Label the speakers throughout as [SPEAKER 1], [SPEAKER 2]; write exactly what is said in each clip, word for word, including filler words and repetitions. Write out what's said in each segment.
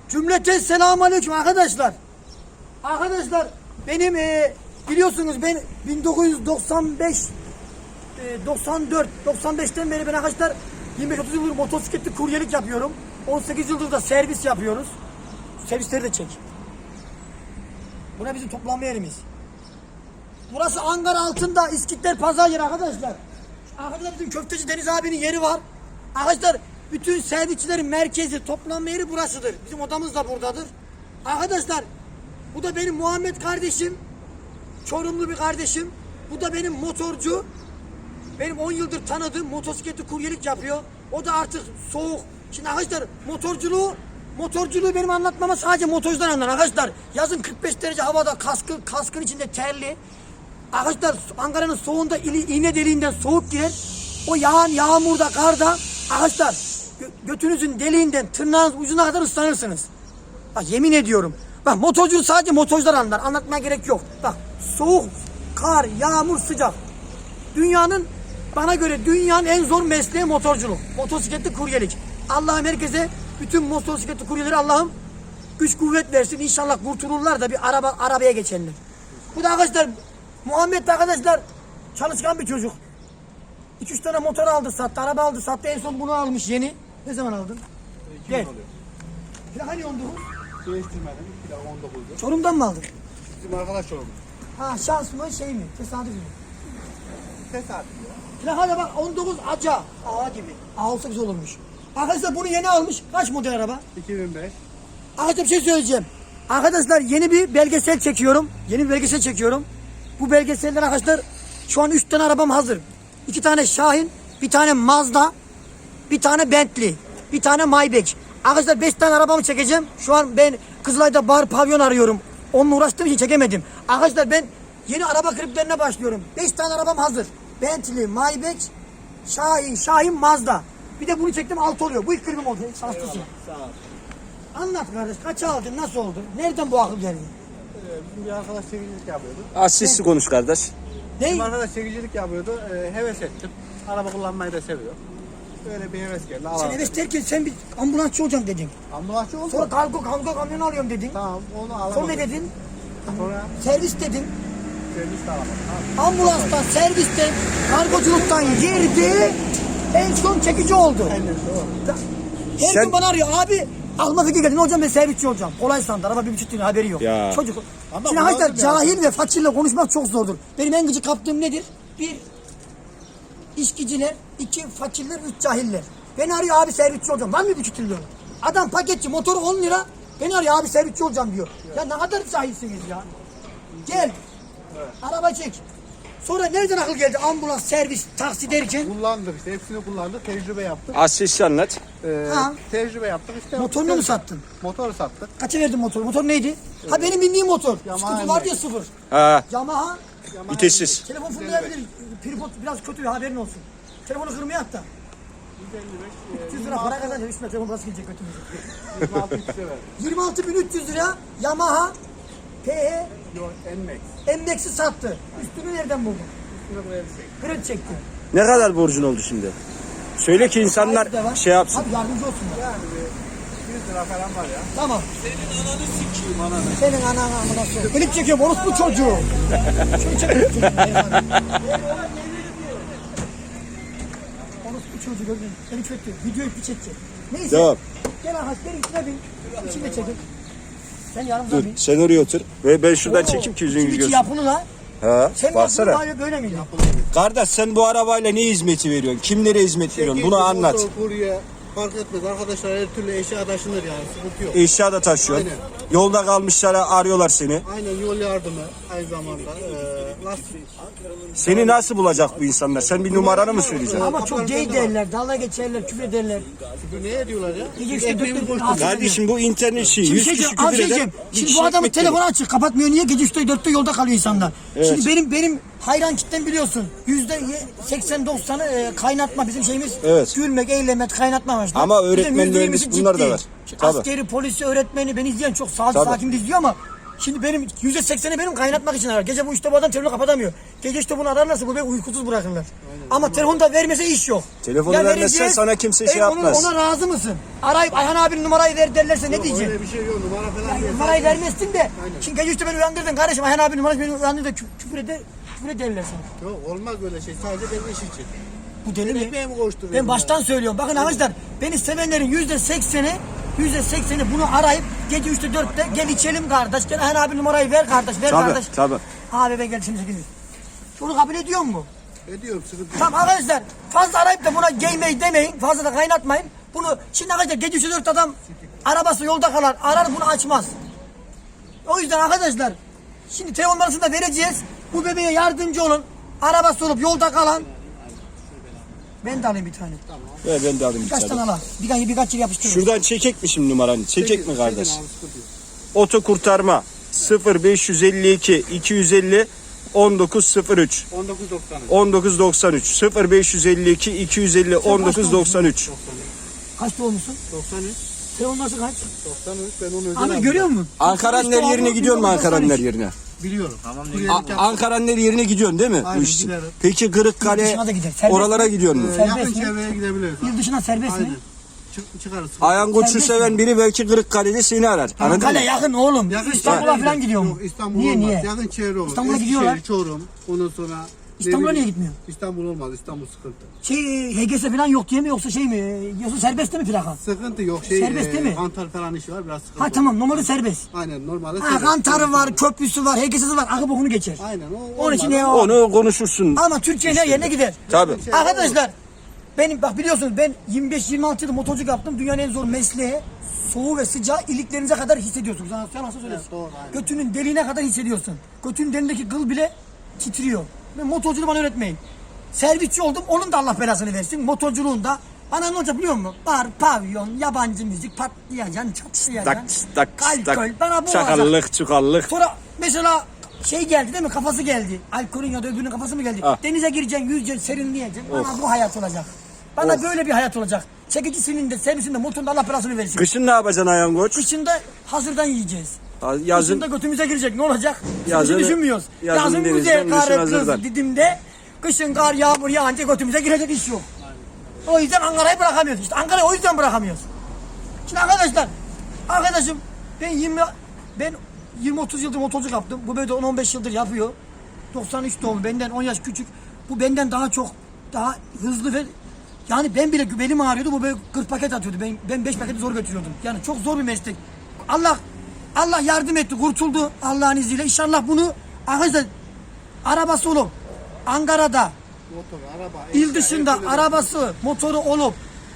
[SPEAKER 1] Cümleten selamünaleyküm arkadaşlar. Arkadaşlar benim e, biliyorsunuz ben bin dokuz yüz doksan beş e, doksan dört doksan beşten beri ben arkadaşlar yirmi beş otuz yıldır motosikletli kuryelik yapıyorum. on sekiz yıldır da servis yapıyoruz. Servisleri de çek. Buna bizim toplanma yerimiz. Burası Ankara altında İskitler Pazar yeri arkadaşlar. Arkadaşlar bizim köfteci Deniz abinin yeri var. Arkadaşlar bütün servisçilerin merkezi, toplanma yeri burasıdır. Bizim odamız da buradadır. Arkadaşlar bu da benim Muhammed kardeşim. Çorumlu bir kardeşim. Bu da benim motorcu. Benim on yıldır tanıdığım motosikletli kuryelik yapıyor. O da artık soğuk. Şimdi arkadaşlar motorculuğu motorculuğu benim anlatmama sadece motorcular anlar arkadaşlar. Yazın kırk beş derece havada kaskı, kaskın içinde terli. Arkadaşlar Ankara'nın soğuğunda iğne deliğinden soğuk girer. O yağan yağmurda, karda arkadaşlar gö götünüzün deliğinden tırnağınız ucuna kadar ıslanırsınız. Bak yemin ediyorum. Bak motorculuğu sadece motorcular anlar. Anlatmaya gerek yok. Bak soğuk, kar, yağmur, sıcak. Dünyanın bana göre dünyanın en zor mesleği motorculuk. Motosikletli kuryelik. Allah'ım herkese bütün motosikletli kuryeleri Allah'ım güç kuvvet versin. İnşallah kurtulurlar da bir araba arabaya geçerler. Bu da arkadaşlar Muhammed arkadaşlar çalışkan bir çocuk. iki üç tane motor aldı sattı, araba aldı sattı. En son bunu almış yeni. Ne zaman aldın? Gel. Plaka ne on dokuz?
[SPEAKER 2] Değiştirmedim. Plaka on dokuzdu.
[SPEAKER 1] Çorum'dan mı aldın?
[SPEAKER 2] Bizim arkadaş oldu.
[SPEAKER 1] Ha şans mı şey mi? Tesadüf mü?
[SPEAKER 2] Tesadüf ya.
[SPEAKER 1] Plaka da bak on dokuz aca. A gibi. A olsa güzel olurmuş. Arkadaşlar bunu yeni almış. Kaç model araba?
[SPEAKER 2] iki bin beş.
[SPEAKER 1] Arkadaşlar bir şey söyleyeceğim. Arkadaşlar yeni bir belgesel çekiyorum. Yeni bir belgesel çekiyorum. Bu belgeseller arkadaşlar şu an üç tane arabam hazır. iki tane Şahin, bir tane Mazda, bir tane Bentley, bir tane Maybach. Arkadaşlar beş tane arabamı çekeceğim. Şu an ben Kızılay'da bar pavyon arıyorum. Onunla uğraştığım için çekemedim. Arkadaşlar ben yeni araba kliplerine başlıyorum. beş tane arabam hazır. Bentley, Maybach, Şahin, Şahin, Mazda. Bir de bunu çektim altı oluyor. Bu ilk klibim oldu. Şanslısın.
[SPEAKER 2] Sağ ol.
[SPEAKER 1] Anlat kardeş. Kaça aldın? Nasıl oldu? Nereden bu akıl geldi?
[SPEAKER 2] Ee, bizim bir arkadaş çekicilik yapıyordu.
[SPEAKER 3] Az sesli konuş kardeş.
[SPEAKER 1] Ne?
[SPEAKER 2] Bizim arkadaş çekicilik yapıyordu. Ee, heves ettim. Araba kullanmayı da seviyor. Böyle bir heves geldi.
[SPEAKER 1] Sen
[SPEAKER 2] Alalım.
[SPEAKER 1] evet derken sen bir ambulansçı olacağım dedin.
[SPEAKER 2] Ambulansçı oldu.
[SPEAKER 1] Sonra kargo kargo kamyonu alıyorum dedin.
[SPEAKER 2] Tamam onu alamadım.
[SPEAKER 1] Sonra ne dedin?
[SPEAKER 2] Sonra
[SPEAKER 1] Servis dedin.
[SPEAKER 2] servis de alamadım. Tamam.
[SPEAKER 1] Ambulanstan, servisten, kargoculuktan girdi. En son çekici oldu.
[SPEAKER 2] Aynen doğru.
[SPEAKER 1] Her
[SPEAKER 3] Sen-
[SPEAKER 1] gün bana arıyor. Abi aklıma fikir geldi. Ne olacağım ben servisçi olacağım. Kolay sandı. Araba bir buçuk lira haberi yok.
[SPEAKER 3] Ya.
[SPEAKER 1] Çocuk.
[SPEAKER 2] Ama
[SPEAKER 1] Şimdi
[SPEAKER 2] bu
[SPEAKER 1] arkadaşlar
[SPEAKER 2] nasıl
[SPEAKER 1] cahil ve fakirle konuşmak çok zordur. Benim en gıcık kaptığım nedir? Bir, içkiciler. iki fakirler. Üç cahiller. Beni arıyor abi servisçi olacağım. Var mı bir buçuk lira? Adam paketçi motoru on lira. Beni arıyor abi servisçi olacağım diyor. Ya ne kadar cahilsiniz ya. Gel. Araba çek. Sonra nereden akıl geldi ambulans, servis, taksi derken?
[SPEAKER 2] Kullandık işte hepsini kullandık. Tecrübe yaptık.
[SPEAKER 3] Az sesli anlat.
[SPEAKER 2] Ee,
[SPEAKER 1] Ha.
[SPEAKER 2] Tecrübe yaptık işte.
[SPEAKER 1] Motorunu mu sattın?
[SPEAKER 2] Motoru sattık.
[SPEAKER 1] Kaça verdin motoru? Motor neydi? Ha benim bindiğim motor.
[SPEAKER 2] Yamaha
[SPEAKER 1] Sıkıntı var
[SPEAKER 2] M.
[SPEAKER 1] diye sıfır.
[SPEAKER 3] Ha,
[SPEAKER 1] Yamaha.
[SPEAKER 3] vitessiz.
[SPEAKER 1] Telefon fırlayabilir. Tripod biraz kötü haberin olsun. Telefonu kırmaya at da.
[SPEAKER 2] yüz elli beş.
[SPEAKER 1] üç yüz lira para kazanacak. Üstüne telefon parası gelecek götümüze.
[SPEAKER 2] yirmi altı kişi verdik.
[SPEAKER 1] yirmi altı bin üç yüz lira Yamaha P H
[SPEAKER 2] Yok N-Max.
[SPEAKER 1] Endex'i sattı. Üstünü nereden buldun?
[SPEAKER 2] Üstüne buraya bir şey.
[SPEAKER 1] Kredi çekti.
[SPEAKER 3] Ne kadar borcun oldu şimdi? Söyle ki insanlar
[SPEAKER 1] Sahibi de var.
[SPEAKER 3] şey yapsın.
[SPEAKER 1] Abi yardımcı olsunlar.
[SPEAKER 2] Yani bir yüz lira falan var ya.
[SPEAKER 1] Tamam.
[SPEAKER 2] Senin ananı sikiyim ananı.
[SPEAKER 1] Senin anan amına soruyor. Klip çekiyorum orospu çocuğu. Şunu çekiyorum çocuğu. Orospu çocuğu gördün. Seni çekti. Videoyu bir çekecek. Neyse.
[SPEAKER 3] Devam.
[SPEAKER 1] Gel arkadaş gel içine bin. İçinde çekin. Sen yanımda
[SPEAKER 3] Dur
[SPEAKER 1] bin.
[SPEAKER 3] sen oraya otur. Ve ben şuradan çekeyim ki yüzünü
[SPEAKER 1] İçi
[SPEAKER 3] görsün.
[SPEAKER 1] yapılı la.
[SPEAKER 3] Ha,
[SPEAKER 1] Sen
[SPEAKER 3] baksana.
[SPEAKER 1] yapılı böyle miydi?
[SPEAKER 3] Kardeş sen bu arabayla ne hizmeti veriyorsun? Kimlere hizmet veriyorsun? Bunu anlat.
[SPEAKER 2] Motor, kurye fark etmez. Arkadaşlar her türlü eşya taşınır yani. Sıkıntı yok.
[SPEAKER 3] Eşya da taşıyorsun.
[SPEAKER 2] Aynen.
[SPEAKER 3] Yolda kalmışlara arıyorlar seni.
[SPEAKER 2] Aynen yol yardımı aynı zamanda. Ee, lastik.
[SPEAKER 3] Seni nasıl bulacak bu insanlar? Sen bir numaranı mı söyleyeceksin?
[SPEAKER 1] Ama çok gay derler, dalga geçerler, küfür ederler.
[SPEAKER 2] Bu ne ediyorlar ya?
[SPEAKER 1] Gece işte
[SPEAKER 2] Ekmeğimi
[SPEAKER 1] dört
[SPEAKER 2] boş
[SPEAKER 1] dört-
[SPEAKER 3] Kardeşim bu internet şeyi.
[SPEAKER 1] Şimdi
[SPEAKER 3] yüz
[SPEAKER 1] şey
[SPEAKER 3] kişi
[SPEAKER 1] diyeceğim, az
[SPEAKER 3] küfür
[SPEAKER 1] şey
[SPEAKER 3] eder.
[SPEAKER 1] diyeceğim.
[SPEAKER 3] bir
[SPEAKER 1] Şimdi
[SPEAKER 3] kişi
[SPEAKER 1] bu adamın
[SPEAKER 3] ekmek verir.
[SPEAKER 1] telefonu açık, kapatmıyor. Niye? Gece üçte dörtte yolda kalıyor insanlar.
[SPEAKER 3] Evet.
[SPEAKER 1] Şimdi benim benim hayran kitlem biliyorsun. Yüzde seksen doksanı e, kaynatma bizim şeyimiz.
[SPEAKER 3] Evet.
[SPEAKER 1] Gülmek, eğlenmek, kaynatma amaçlı.
[SPEAKER 3] Ama
[SPEAKER 1] Bir de
[SPEAKER 3] öğretmen,
[SPEAKER 1] yüzde
[SPEAKER 3] mühendis
[SPEAKER 1] yirmisi
[SPEAKER 3] bunlar da
[SPEAKER 1] ciddi.
[SPEAKER 3] var.
[SPEAKER 1] Şimdi
[SPEAKER 3] Tabii.
[SPEAKER 1] askeri, polisi, öğretmeni beni izleyen çok sağlıklı
[SPEAKER 3] Tabii.
[SPEAKER 1] sakin izliyor ama Şimdi benim yüzde sekseni benim kaynatmak için arar. Gece bu işte bu adam telefonu kapatamıyor. Gece işte bunu ararlarsa bu beni uykusuz bırakırlar. Ama telefonu da vermese iş yok.
[SPEAKER 3] Telefonu
[SPEAKER 1] Ya
[SPEAKER 3] vermezsen
[SPEAKER 1] vereceğiz,
[SPEAKER 3] sana kimse şey
[SPEAKER 1] e, onu-
[SPEAKER 3] yapmaz.
[SPEAKER 1] Ona razı mısın? Arayıp Ayhan abinin numarayı ver derlerse ne diyeceksin?
[SPEAKER 2] Öyle bir şey yok. Numara falan
[SPEAKER 1] Yani
[SPEAKER 2] değil.
[SPEAKER 1] numarayı vermezsin de. Şimdi gece işte beni uyandırdın kardeşim. Ayhan abinin numarası beni uyandırdı da kü- küfür eder, küfür ederler sana.
[SPEAKER 2] Yok olmaz böyle şey. Sadece benim iş için.
[SPEAKER 1] Bu deli mi?
[SPEAKER 2] Ekmeğimi koşturuyorum.
[SPEAKER 1] Ben baştan söylüyorum. Bakın arkadaşlar beni sevenlerin yüzde sekseni yüzde sekseni bunu arayıp gece üçte dörtte gel içelim kardeş. Gel Ayhan abi numarayı ver kardeş. Ver
[SPEAKER 3] Tabii,
[SPEAKER 1] kardeş.
[SPEAKER 3] tabii.
[SPEAKER 1] Abi ben gel şimdi sekiz. Bunu kabul ediyor mu?
[SPEAKER 2] Ediyorum sıkıntı yok.
[SPEAKER 1] Tamam arkadaşlar fazla arayıp da buna geymeyi demeyin. Fazla da kaynatmayın. Bunu şimdi arkadaşlar gece üçte dörtte adam arabası yolda kalar. Arar bunu açmaz. O yüzden arkadaşlar şimdi telefon numarasını da vereceğiz. Bu bebeğe yardımcı olun. Arabası olup yolda kalan. Ben de alayım bir tane.
[SPEAKER 3] Ver ben de alayım bir
[SPEAKER 1] Birkaç
[SPEAKER 3] tane.
[SPEAKER 1] tane al. Birkaç, birkaç yıl yapıştırırız.
[SPEAKER 3] Şuradan çekek mi şimdi numaranı? Çekek mi kardeş?
[SPEAKER 2] Çekin abi, sıkıntı yok.
[SPEAKER 3] Oto kurtarma sıfır beş yüz elli iki iki yüz elli on dokuz sıfır üç
[SPEAKER 2] on dokuz doksan üç.
[SPEAKER 3] on dokuz doksan üç sıfır beş yüz elli iki iki yüz elli on dokuz doksan üç.
[SPEAKER 1] Kaç doğumlusun?
[SPEAKER 2] doksan üç.
[SPEAKER 1] Telefon numarası kaç?
[SPEAKER 2] doksan üç. Ben onu özel
[SPEAKER 1] Abi
[SPEAKER 2] aldım.
[SPEAKER 1] görüyor musun?
[SPEAKER 3] Ankara'nın her yerine gidiyor mu Ankara'nın her yerine?
[SPEAKER 2] Biliyorum. Tamam.
[SPEAKER 3] A- Ankara'nın her yerine gidiyorsun değil mi?
[SPEAKER 2] Aynen,
[SPEAKER 3] Bu iş için?
[SPEAKER 2] giderim.
[SPEAKER 3] Peki
[SPEAKER 1] Yurt
[SPEAKER 3] Kırıkkale
[SPEAKER 1] dışına da gider. Serbest
[SPEAKER 3] oralara
[SPEAKER 1] mi?
[SPEAKER 3] gidiyor mu?
[SPEAKER 2] Ee,
[SPEAKER 1] Serbest
[SPEAKER 2] yakın
[SPEAKER 1] mi?
[SPEAKER 2] çevreye gidebiliriz.
[SPEAKER 1] Yurt dışına serbest
[SPEAKER 2] Aynen.
[SPEAKER 1] mi?
[SPEAKER 2] Çık, çıkarız.
[SPEAKER 3] Ayan Koç'u
[SPEAKER 1] Serbest
[SPEAKER 3] seven
[SPEAKER 1] mi?
[SPEAKER 3] biri belki Kırıkkale'de seni arar. Anladın
[SPEAKER 1] Kale
[SPEAKER 3] mı?
[SPEAKER 1] yakın oğlum.
[SPEAKER 2] Yakın
[SPEAKER 1] İstanbul'a
[SPEAKER 2] çevre-
[SPEAKER 1] falan gidiyor mu?
[SPEAKER 2] Yok, İstanbul
[SPEAKER 1] Niye
[SPEAKER 2] olmaz.
[SPEAKER 1] niye?
[SPEAKER 2] Yakın çevre olur.
[SPEAKER 1] İstanbul'a
[SPEAKER 2] Eskişehir,
[SPEAKER 1] gidiyorlar.
[SPEAKER 2] Çorum. Ondan sonra
[SPEAKER 1] İstanbul'a
[SPEAKER 2] ne
[SPEAKER 1] niye
[SPEAKER 2] bileyim,
[SPEAKER 1] gitmiyor?
[SPEAKER 2] İstanbul olmaz. İstanbul sıkıntı.
[SPEAKER 1] Şey H G S falan yok diye mi yoksa şey mi? Yoksa serbest değil mi plaka?
[SPEAKER 2] Sıkıntı yok. Şey,
[SPEAKER 1] Serbest değil mi?
[SPEAKER 2] Kantar falan işi var. Biraz sıkıntı.
[SPEAKER 1] Ha tamam normalde serbest.
[SPEAKER 2] Aynen normalde
[SPEAKER 1] Ha
[SPEAKER 2] serbest.
[SPEAKER 1] kantarı var, köprüsü var, H G S'si var. Akı bokunu geçer.
[SPEAKER 2] Aynen. O,
[SPEAKER 1] Onun için
[SPEAKER 2] olmaz.
[SPEAKER 1] ne o?
[SPEAKER 3] Onu konuşursun.
[SPEAKER 1] Ama Türkiye'nin her yerine gider.
[SPEAKER 3] Tabii.
[SPEAKER 1] Arkadaşlar benim bak biliyorsunuz ben yirmi beş yirmi altı yıl motorculuk yaptım. Dünyanın en zor mesleği. Soğuğu ve sıcağı iliklerinize kadar hissediyorsunuz. Sen sen nasıl söylesin?
[SPEAKER 2] Evet, doğru, aynen.
[SPEAKER 1] Götünün deliğine kadar hissediyorsun. Götünün deliğindeki kıl bile titriyor. Ben motorculuğu bana öğretmeyin. Servisçi oldum. Onun da Allah belasını versin. Motorculuğunda bana ne olacak biliyor musun? Bar, pavyon, yabancı müzik, patlayacaksın, çatışacaksın.
[SPEAKER 3] Tak tak
[SPEAKER 1] Alkol.
[SPEAKER 3] tak.
[SPEAKER 1] Bana bu olacak.
[SPEAKER 3] Çakallık çukallık.
[SPEAKER 1] Sonra mesela şey geldi değil mi? Kafası geldi. Alkolün ya da öbürünün kafası mı geldi?
[SPEAKER 3] Ah.
[SPEAKER 1] Denize gireceksin, yüzeceksin, serinleyeceksin. Bana bu hayat olacak. Bana böyle bir hayat olacak. Çekicisinin de, servisinde, motorunda Allah belasını versin.
[SPEAKER 3] Kışın ne yapacaksın Ayan Koç?
[SPEAKER 1] Kışında hazırdan yiyeceğiz.
[SPEAKER 3] Ha, Yazın
[SPEAKER 1] Kışında götümüze girecek. Ne olacak?
[SPEAKER 3] Yazın-
[SPEAKER 1] Yazın düşünmüyoruz.
[SPEAKER 3] yazın
[SPEAKER 1] Yazın,
[SPEAKER 3] denizden,
[SPEAKER 1] güzel
[SPEAKER 3] kışın
[SPEAKER 1] kar
[SPEAKER 3] hazırdan.
[SPEAKER 1] kız Didim'de. Kışın kar yağmur yağınca götümüze girecek iş yok. O yüzden Ankara'yı bırakamıyoruz. İşte Ankara'yı o yüzden bırakamıyoruz. Şimdi arkadaşlar, arkadaşım ben yirmi ben yirmi otuz yıldır motorculuk yaptım. Bu böyle de on on beş yıldır yapıyor. doksan üç doğumlu, benden on yaş küçük. Bu benden daha çok daha hızlı ve yani ben bile belim ağrıyordu. Bu böyle kırk paket atıyordu. Ben ben beş paketi zor götürüyordum. Yani çok zor bir meslek. Allah Allah yardım etti, kurtuldu Allah'ın izniyle. İnşallah bunu arkadaşlar arabası olup Ankara'da
[SPEAKER 2] Motor, araba,
[SPEAKER 1] il
[SPEAKER 2] eşya,
[SPEAKER 1] dışında
[SPEAKER 2] her türlü-
[SPEAKER 1] arabası, motoru olup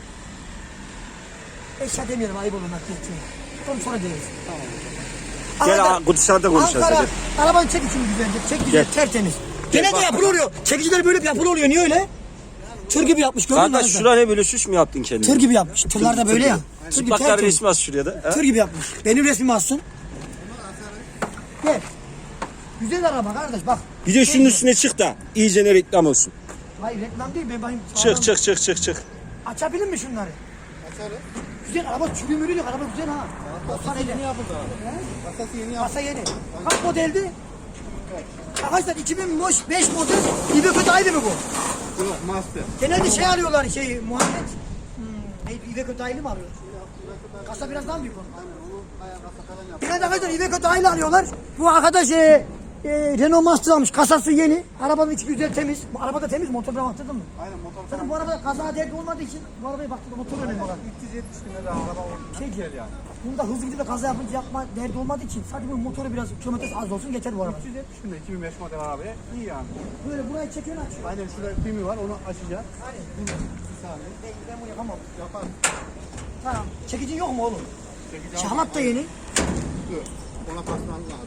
[SPEAKER 1] eşya demiyorum ayıp olur nakliyetle. Onu sonra deriz.
[SPEAKER 3] Gel
[SPEAKER 1] Ankara-
[SPEAKER 3] ha, dışarıda konuşacağız,
[SPEAKER 1] Ankara,
[SPEAKER 3] hadi.
[SPEAKER 1] arabanı çek içini güzelce. Çek güzel,
[SPEAKER 3] Gel.
[SPEAKER 1] tertemiz. Gene de
[SPEAKER 3] bak.
[SPEAKER 1] yapılı oluyor. Çekiciler böyle bir yapılı oluyor. Niye öyle? Tır gibi yapmış gördün mü?
[SPEAKER 3] Kardeş
[SPEAKER 1] arkadaşlar?
[SPEAKER 3] şura ne böyle süs mü yaptın kendine?
[SPEAKER 1] Tır gibi yapmış. Tırlar da böyle ya. Tır gibi
[SPEAKER 3] Çıplaklar
[SPEAKER 1] tertemiz.
[SPEAKER 3] resmi as şuraya da. ha?
[SPEAKER 1] Tır gibi yapmış. Benim resmimi alsın. Gel. Güzel araba kardeş bak.
[SPEAKER 3] Bir de şunun üstüne çık da iyice ne reklam olsun.
[SPEAKER 1] Hayır reklam değil ben bakayım.
[SPEAKER 3] Çık çık çık çık çık.
[SPEAKER 1] Açabilir mi şunları?
[SPEAKER 2] Açarız.
[SPEAKER 1] Güzel araba çürü mürü yok araba güzel ha. doksan
[SPEAKER 2] Yeni
[SPEAKER 1] elli.
[SPEAKER 2] yapıldı araba. Kasası yeni yapıldı.
[SPEAKER 1] Kasa yeni. Kaç modeldi? Arkadaşlar iki bin beş model İveco Daylı mı bu?
[SPEAKER 2] Yok, master.
[SPEAKER 1] Genelde şey alıyorlar şey Muhammed. Hmm, neydi İveco Daylı mı alıyor? Kasa biraz daha büyük onun. Genelde arkadaşlar İveco Daylı alıyorlar. Bu arkadaş e, e, Renault Master almış. Kasası yeni. Arabanın içi güzel temiz. Bu araba da temiz. Motor falan baktırdın mı?
[SPEAKER 2] Aynen motor
[SPEAKER 1] Zaten
[SPEAKER 2] falan.
[SPEAKER 1] bu arabada kaza derdi olmadığı için bu arabaya baktırdım. Motor önemli olan.
[SPEAKER 2] üç yüz yetmiş bin lira araba oldu.
[SPEAKER 1] Şey diyor yani. Bunda hızlı gidip de kaza yapınca yapma derdi olmadığı için sadece bu motoru biraz kilometresi az olsun geçer bu araba.
[SPEAKER 2] üç yüz yetmiş bin lira iki bin beş model arabaya iyi yani.
[SPEAKER 1] Böyle burayı çekiyor aç.
[SPEAKER 2] Aynen şurada pimi var onu açacağız.
[SPEAKER 1] Aynen.
[SPEAKER 2] Bir saniye.
[SPEAKER 1] Ben, ben bunu yapamam.
[SPEAKER 2] Yapar.
[SPEAKER 1] Tamam. Çekicin yok mu oğlum?
[SPEAKER 2] Çekeceğim.
[SPEAKER 1] Şahmat da yeni.
[SPEAKER 2] Dur. Ona basman lazım.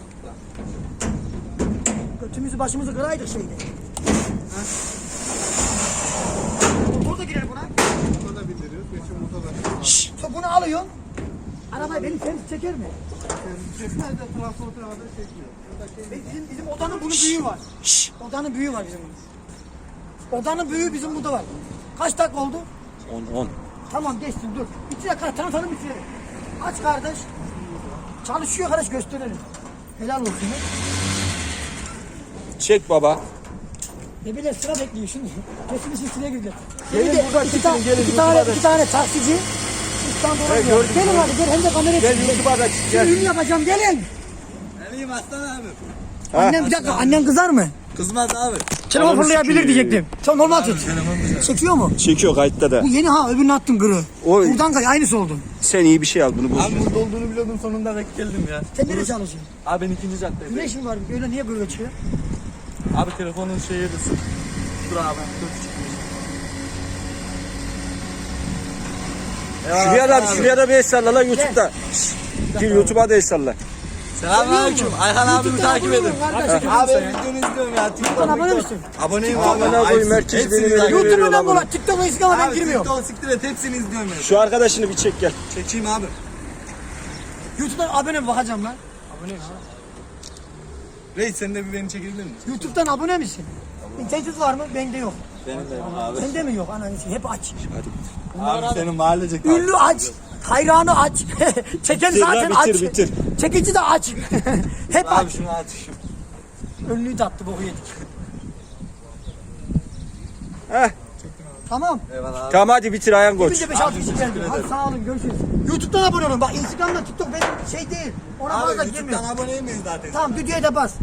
[SPEAKER 1] Götümüzü başımızı kıraydık şeyde. Motor da girer buna.
[SPEAKER 2] Motor da bindiriyoruz. Geçin motor da.
[SPEAKER 3] Şşş.
[SPEAKER 1] Sonra bunu alıyorsun. Arabayı benim servis çeker mi?
[SPEAKER 2] Çekmez de transporter arada çekmiyor. Burada şey
[SPEAKER 1] Be- Bizim, bizim odanın bunun büyüğü var.
[SPEAKER 3] Şşş.
[SPEAKER 1] Odanın büyüğü var bizim bunun. Odanın büyüğü bizim burada var. Kaç dakika oldu?
[SPEAKER 3] on on.
[SPEAKER 1] Tamam geçsin dur. Bir dakika tanıtalım bitirelim. Aç kardeş. Çalışıyor kardeş gösterelim. Helal olsun. ya.
[SPEAKER 3] Çek baba.
[SPEAKER 1] Ne bile sıra bekliyor şimdi. Kesin işin içine girdi.
[SPEAKER 2] Gelin
[SPEAKER 1] Şimdi
[SPEAKER 2] buradan
[SPEAKER 1] iki,
[SPEAKER 2] çekin,
[SPEAKER 1] ta-
[SPEAKER 2] gelin
[SPEAKER 1] iki tane,
[SPEAKER 2] YouTube'a da.
[SPEAKER 1] iki tane taksici İstanbul'a
[SPEAKER 2] Evet,
[SPEAKER 1] gidiyor.
[SPEAKER 2] gördüm,
[SPEAKER 1] Gelin
[SPEAKER 2] gördüm.
[SPEAKER 1] hadi gel hem de kamera
[SPEAKER 2] Gel
[SPEAKER 1] çekin.
[SPEAKER 2] YouTube'a da çık,
[SPEAKER 1] Şimdi
[SPEAKER 2] gel.
[SPEAKER 1] ünlü yapacağım gelin.
[SPEAKER 4] İyiyim aslan abi.
[SPEAKER 1] Annem bir dakika annen kızar mı?
[SPEAKER 4] Kızmaz abi.
[SPEAKER 1] Telefon
[SPEAKER 3] Ananı
[SPEAKER 1] fırlayabilir
[SPEAKER 3] sikeyim.
[SPEAKER 1] diyecektim. Sen normal tut. Çekiyor mu?
[SPEAKER 3] Çekiyor kayıtta da.
[SPEAKER 1] Bu yeni ha öbürünü attım kırı.
[SPEAKER 3] Oy.
[SPEAKER 1] Buradan kay aynısı oldu.
[SPEAKER 3] Sen iyi bir şey al bunu boş.
[SPEAKER 4] Abi burada olduğunu biliyordum sonunda denk geldim ya.
[SPEAKER 1] Sen nereye çalışıyorsun?
[SPEAKER 4] Abi ben ikinci caddedeyim.
[SPEAKER 1] Güneş mi var? Öyle niye böyle çıkıyor?
[SPEAKER 4] Abi telefonun şeyi de sık. Dur abi. Dur çıkmış.
[SPEAKER 3] Şuraya da şuraya da bir el salla lan YouTube'da. Gir YouTube'a da el salla.
[SPEAKER 4] Selamünaleyküm. Ayhan abimi
[SPEAKER 1] YouTube'dan
[SPEAKER 4] takip
[SPEAKER 1] abone
[SPEAKER 4] edin.
[SPEAKER 1] olun kardeşim.
[SPEAKER 4] Abi videonu izliyorum ya.
[SPEAKER 1] Sen abone misin?
[SPEAKER 4] Aboneyim abi.
[SPEAKER 3] Amına koyayım, herkes
[SPEAKER 4] Hepsini
[SPEAKER 3] beni
[SPEAKER 4] izliyorum.
[SPEAKER 3] veriyor.
[SPEAKER 1] YouTube'dan
[SPEAKER 3] lan
[SPEAKER 1] bu
[SPEAKER 3] bunu.
[SPEAKER 1] lan. TikTok'a iskan ama ben
[SPEAKER 4] Abi
[SPEAKER 1] girmiyorum.
[SPEAKER 4] TikTok siktir et hepsini izliyorum ya.
[SPEAKER 3] Şu arkadaşını bir çek gel.
[SPEAKER 4] Çekeyim abi.
[SPEAKER 1] YouTube'dan abone mi bakacağım lan? Aboneyim ha.
[SPEAKER 4] Reis sen de bir beni çekebilir misin?
[SPEAKER 1] YouTube'dan abone misin? İnternet var mı? Bende yok.
[SPEAKER 4] Benim de yok abi.
[SPEAKER 1] Sende mi yok? Ananı hep aç.
[SPEAKER 4] Abi senin mahallecek abi.
[SPEAKER 1] Ünlü aç. Hayranı aç. Çeken
[SPEAKER 3] Bitir lan,
[SPEAKER 1] zaten
[SPEAKER 3] bitir,
[SPEAKER 1] aç.
[SPEAKER 3] bitir.
[SPEAKER 1] Çekici de aç. Hep
[SPEAKER 4] Abi
[SPEAKER 1] aç.
[SPEAKER 4] şunu aç.
[SPEAKER 1] Ünlüyü de attı boku yedik.
[SPEAKER 3] Heh.
[SPEAKER 1] Tamam.
[SPEAKER 4] Eyvallah abi.
[SPEAKER 3] Tamam hadi bitir Ayhan Koç.
[SPEAKER 1] Bize beş altı kişi geldi. Hadi sağ olun görüşürüz. YouTube'dan abone olun. Bak Instagram'da TikTok benim şey değil. Ona
[SPEAKER 4] Abi
[SPEAKER 1] fazla
[SPEAKER 4] YouTube'dan
[SPEAKER 1] girmiyor.
[SPEAKER 4] aboneyim miyiz zaten?
[SPEAKER 1] Tamam videoya da bas.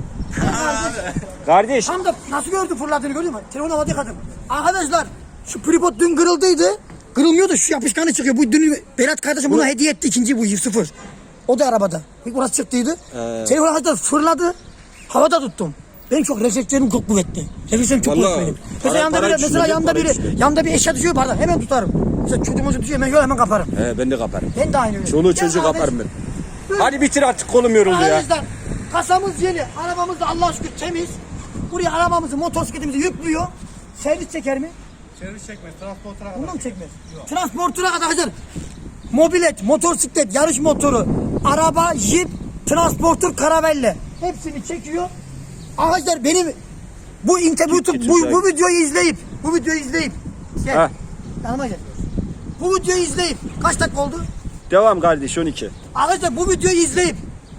[SPEAKER 3] Kardeş
[SPEAKER 1] Tam da nasıl gördü fırladığını gördün mü? Telefon havada kadın. Arkadaşlar şu tripod dün kırıldıydı. Kırılmıyordu şu yapışkanı çıkıyor. Bu dün Berat kardeşim buna hediye etti ikinci bu sıfır. O da arabada. İlk burası çıktıydı.
[SPEAKER 3] Ee.
[SPEAKER 1] Telefon havada fırladı. Havada tuttum. Benim çok reflekslerim çok kuvvetli. Reflekslerim çok
[SPEAKER 3] Vallahi
[SPEAKER 1] kuvvetli benim.
[SPEAKER 3] para-
[SPEAKER 1] Mesela yanında
[SPEAKER 3] para
[SPEAKER 1] biri, mesela
[SPEAKER 3] düşünüyorum,
[SPEAKER 1] yanında
[SPEAKER 3] para
[SPEAKER 1] biri,
[SPEAKER 3] düşünüyorum.
[SPEAKER 1] yanında bir eşya düşüyor pardon hemen tutarım. Mesela çocuğumuzu düşüyor hemen, hemen kaparım.
[SPEAKER 3] He, ben de kaparım.
[SPEAKER 1] Ben de aynı öyle.
[SPEAKER 3] Çoluğu
[SPEAKER 1] Gel
[SPEAKER 3] çocuğu
[SPEAKER 1] abi.
[SPEAKER 3] kaparım ben.
[SPEAKER 1] Buyur.
[SPEAKER 3] Hadi bitir artık kolum yoruldu ya.
[SPEAKER 1] Arkadaşlar kasamız yeni. Arabamız da Allah'a şükür temiz. Buraya arabamızı, motosikletimizi yüklüyor. Servis çeker mi?
[SPEAKER 2] Servis çekmez. Transportera kadar.
[SPEAKER 1] Bunu mu çekmez? Transportuna kadar arkadaşlar. Mobilet, motosiklet, yarış motoru, araba, jip, transportör, karavelle. Hepsini çekiyor. Arkadaşlar benim bu inter YouTube
[SPEAKER 3] getir
[SPEAKER 1] bu,
[SPEAKER 3] sen.
[SPEAKER 1] bu videoyu izleyip bu videoyu izleyip gel.
[SPEAKER 3] Ha.
[SPEAKER 1] Yanıma gel. Bu videoyu izleyip kaç dakika oldu?
[SPEAKER 3] Devam kardeş on iki.
[SPEAKER 1] Arkadaşlar bu videoyu izleyip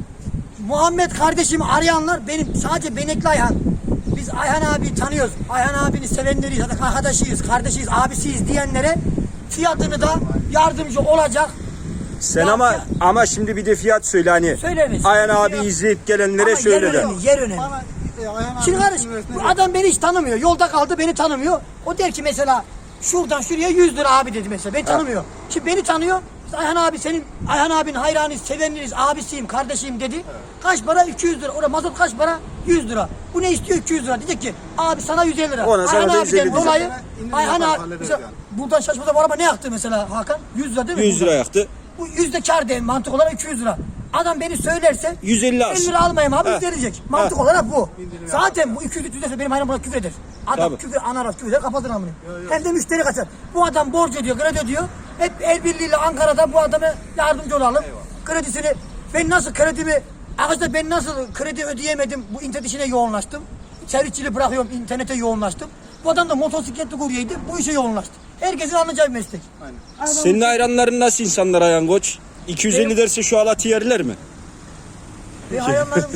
[SPEAKER 1] Muhammed kardeşimi arayanlar benim sadece Benekli Ayhan. Biz Ayhan abi tanıyoruz. Ayhan abini sevenleriyiz. Hatta arkadaşıyız, kardeşiyiz, abisiyiz diyenlere fiyatını da yardımcı olacak.
[SPEAKER 3] Sen
[SPEAKER 1] Ya-
[SPEAKER 3] ama
[SPEAKER 1] ya-
[SPEAKER 3] ama şimdi bir de fiyat söyle hani.
[SPEAKER 1] Söyleriz.
[SPEAKER 3] Ayhan abi izleyip gelenlere
[SPEAKER 1] Ama
[SPEAKER 3] söyle
[SPEAKER 1] yer
[SPEAKER 3] de.
[SPEAKER 1] önemli, yer önemli.
[SPEAKER 2] Bana e, Ayhan
[SPEAKER 1] Şimdi
[SPEAKER 2] abi
[SPEAKER 1] kardeş
[SPEAKER 2] üniversitede-
[SPEAKER 1] bu adam beni hiç tanımıyor. Yolda kaldı beni tanımıyor. O der ki mesela şuradan şuraya yüz lira abi dedi mesela. Beni tanımıyor. Şimdi beni tanıyor. İşte Ayhan abi senin Ayhan abinin hayranıyız, sevenleriz, abisiyim, kardeşiyim dedi. Kaç para? iki yüz lira. Orada mazot kaç para? yüz lira. Bu ne istiyor? iki yüz lira. Diyecek ki abi sana yüz elli lira.
[SPEAKER 3] Ona sana
[SPEAKER 1] Ayhan
[SPEAKER 3] da yüz elli
[SPEAKER 1] abiden
[SPEAKER 3] diyecek.
[SPEAKER 1] dolayı
[SPEAKER 2] İndirim
[SPEAKER 1] Ayhan
[SPEAKER 2] yapar,
[SPEAKER 1] abi
[SPEAKER 2] hallederiz
[SPEAKER 1] mesela
[SPEAKER 2] yani.
[SPEAKER 1] buradan şaşmada bu araba ne yaktı mesela Hakan? yüz lira değil mi?
[SPEAKER 3] yüz lira
[SPEAKER 1] Buradan.
[SPEAKER 3] yaktı.
[SPEAKER 1] Bu yüzde kar değil mantık olarak iki yüz lira. Adam beni söylerse
[SPEAKER 3] yüz elli alsın.
[SPEAKER 1] elli lira almayayım abi
[SPEAKER 3] Ha.
[SPEAKER 1] yüz verecek. Mantık olarak bu. Zaten bu iki yüz üç yüz lirası benim hayran buna küfür eder. Adam
[SPEAKER 3] Tabii.
[SPEAKER 1] küfür ana küfür eder kapatır amını. Hem de müşteri kaçar. Bu adam borç ödüyor kredi ödüyor. Hep el birliğiyle Ankara'da bu adama yardımcı olalım. Kredisini ben nasıl kredimi arkadaşlar ben nasıl kredi ödeyemedim bu internet işine yoğunlaştım. Servisçiliği bırakıyorum internete yoğunlaştım. Bu adam da motosikletli kuryeydi bu işe yoğunlaştı. Herkesin anlayacağı bir meslek. Aynen.
[SPEAKER 3] Senin hayranların nasıl insanlar Ayhan Koç? iki yüz elli
[SPEAKER 1] Benim-
[SPEAKER 3] derse şu alatı yerler mi?
[SPEAKER 1] Ve hayranlarım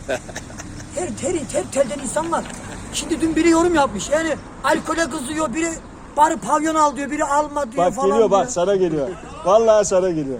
[SPEAKER 1] her, her, her telden insan var. Şimdi dün biri yorum yapmış. Yani alkole kızıyor, biri bari pavyon al diyor, biri alma diyor
[SPEAKER 3] Bak
[SPEAKER 1] falan
[SPEAKER 3] geliyor bak
[SPEAKER 1] diyor.
[SPEAKER 3] sana geliyor. Vallahi sana geliyor.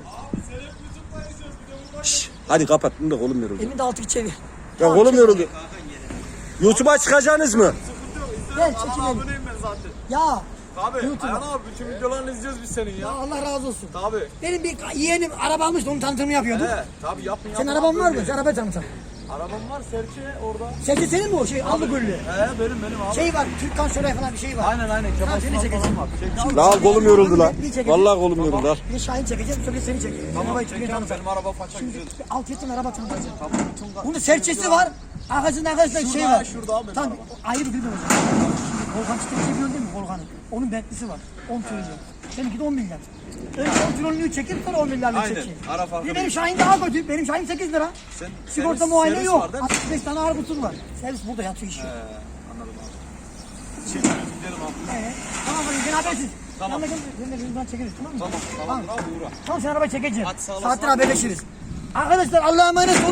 [SPEAKER 3] Şş, hadi kapat bunu da kolum yoruldu.
[SPEAKER 1] Elinde altı çevir.
[SPEAKER 3] Ya kolum yoruldu. YouTube'a çıkacaksınız mı?
[SPEAKER 1] Gel çekinelim.
[SPEAKER 4] ben zaten.
[SPEAKER 1] Ya
[SPEAKER 4] Abi
[SPEAKER 1] YouTube'a.
[SPEAKER 4] Ayhan abi bütün videolarını izliyoruz biz senin
[SPEAKER 1] ya
[SPEAKER 4] ya.
[SPEAKER 1] Allah razı olsun.
[SPEAKER 4] Tabi.
[SPEAKER 1] Benim bir yeğenim araba almıştı, onun tanıtımını yapıyordu.
[SPEAKER 4] He tabi yapın
[SPEAKER 1] Senin
[SPEAKER 4] yapın.
[SPEAKER 1] araban var mı? Sen araba tanıtsan.
[SPEAKER 4] Arabam var Serçe orada.
[SPEAKER 1] Sesi senin mi o şey? Allı güllü.
[SPEAKER 4] He benim benim abi.
[SPEAKER 1] Şey var, Türkan Şoray falan bir şey var.
[SPEAKER 4] Aynen aynen
[SPEAKER 1] Tamam,
[SPEAKER 4] Kemal
[SPEAKER 1] seni
[SPEAKER 4] Sunal
[SPEAKER 1] çekeceğim.
[SPEAKER 4] falan var. Çek-
[SPEAKER 3] La al kolum yoruldu lan.
[SPEAKER 1] Bir çekeceğim.
[SPEAKER 3] Vallahi kolum yoruldu al.
[SPEAKER 1] Bir Şahin çekeceğim, sonra seni çekeceğim.
[SPEAKER 4] Tamam
[SPEAKER 1] Arabayı
[SPEAKER 4] çekeceğim
[SPEAKER 1] tanıtacağım.
[SPEAKER 4] benim araba faça güzel.
[SPEAKER 1] Alt yetim araba tanıtacağım.
[SPEAKER 4] Tamam bütün ka-
[SPEAKER 1] Bunun serçesi var. Arkasında arkadaşlar şey
[SPEAKER 4] Şurada,
[SPEAKER 1] var.
[SPEAKER 4] şurada abi benim
[SPEAKER 1] Tam
[SPEAKER 4] araba.
[SPEAKER 1] ayrı bir hocam. Şimdi Volkan Çiftlikçi biliyorsun değil mi Volkan'ın? Onun Bentley'si var. on trilyon. Seninki de on milyar. Önce on trilyonluğu çekip sonra on milyarlık
[SPEAKER 4] Aynen,
[SPEAKER 1] çekeyim.
[SPEAKER 4] ara farkı
[SPEAKER 1] Bir de benim
[SPEAKER 4] değil.
[SPEAKER 1] Şahin daha kötü. Benim Şahin sekiz lira.
[SPEAKER 4] Sen-
[SPEAKER 1] Sigorta
[SPEAKER 4] servis-
[SPEAKER 1] muayene
[SPEAKER 4] servis
[SPEAKER 1] yok.
[SPEAKER 4] var değil mi?
[SPEAKER 1] altmış beş tane ağır kusur var. Servis burada yatıyor işi.
[SPEAKER 4] He, anladım abi. Çekiyoruz gidelim abi.
[SPEAKER 1] Evet. Tamam hadi sen habersiz.
[SPEAKER 4] Tamam.
[SPEAKER 1] Yanına gel. Sen de buradan çekeriz tamam mı?
[SPEAKER 4] Tamam tamam abi uğra.
[SPEAKER 1] Tamam sen arabayı çekeceğim.
[SPEAKER 4] Hadi sağ olasın
[SPEAKER 1] Saattir
[SPEAKER 4] abi.
[SPEAKER 1] haberleşiriz. Arkadaşlar Allah'a emanet olun.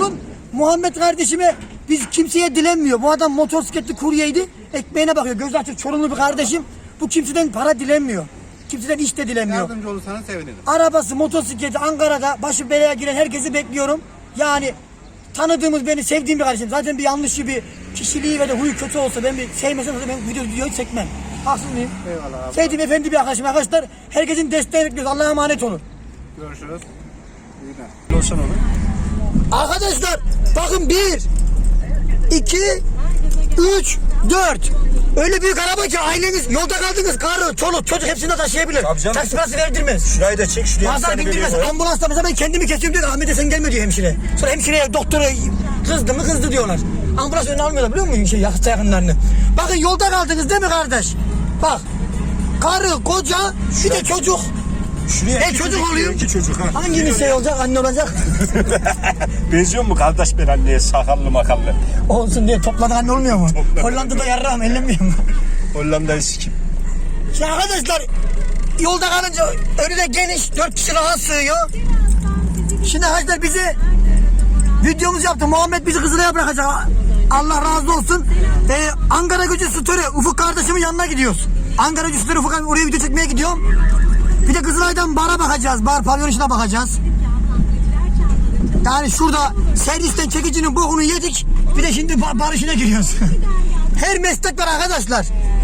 [SPEAKER 1] Muhammed kardeşime biz kimseye dilenmiyor. Bu adam motosikletli kuryeydi. Ekmeğine bakıyor. Gözü açık Çorumlu bir kardeşim. Bu kimseden para dilenmiyor. Kimseden iş de dilenmiyor.
[SPEAKER 2] Yardımcı olursanız sevinirim.
[SPEAKER 1] Arabası, motosikleti Ankara'da başı belaya giren herkesi bekliyorum. Yani tanıdığımız, beni sevdiğim bir kardeşim. Zaten bir yanlışı, bir kişiliği ve de huyu kötü olsa, ben bir sevmesem de ben video videoyu çekmem. Haksız mıyım?
[SPEAKER 2] Eyvallah abi.
[SPEAKER 1] Sevdiğim efendi bir arkadaşım. Arkadaşlar herkesin desteğini bekliyoruz. Allah'a emanet olun.
[SPEAKER 2] Görüşürüz. İyi günler.
[SPEAKER 3] Olsun onu.
[SPEAKER 1] Arkadaşlar bakın bir, iki, üç, dört. Öyle büyük araba ki aileniz yolda kaldınız. Karı, çoluk, çocuk hepsini de taşıyabilir.
[SPEAKER 3] Tabii canım.
[SPEAKER 1] Taksi parası verdirmez.
[SPEAKER 3] Şurayı da çek şuraya.
[SPEAKER 1] Bazen bindirmez. Ambulansta mesela ben kendimi kesiyorum diyor. Ahmet'e sen gelme diyor hemşire. Sonra hemşireye doktora kızdı mı kızdı diyorlar. Ambulans önüne almıyorlar biliyor musun şey yakıt yakınlarını. Bakın yolda kaldınız değil mi kardeş? Bak. Karı, koca, bir de çocuk.
[SPEAKER 3] Şuraya
[SPEAKER 1] Ben
[SPEAKER 3] iki
[SPEAKER 1] çocuk olayım.
[SPEAKER 3] iki çocuk ha.
[SPEAKER 1] Hanginiz şey olacak, anne olacak?
[SPEAKER 3] Benziyor mu kardeş ben anneye sakallı makallı?
[SPEAKER 1] Olsun diye topladık anne olmuyor mu? Hollanda'da yarrağım ellenmiyor mu?
[SPEAKER 3] Hollanda'yı sikim.
[SPEAKER 1] Şimdi arkadaşlar yolda kalınca önüne geniş dört kişi rahat sığıyor. Şimdi arkadaşlar bize videomuzu yaptı. Muhammed bizi Kızılay'a bırakacak. Allah razı olsun. Ee, Ankara Gücü Story Ufuk kardeşimin yanına gidiyoruz. Ankara Gücü Story Ufuk abi oraya video çekmeye gidiyorum. Bir de Kızılay'dan bara bakacağız. Bar pavyon işine bakacağız. Yani şurada servisten çekicinin bokunu yedik. Bir de şimdi bar, bar işine giriyoruz. Her meslek var arkadaşlar.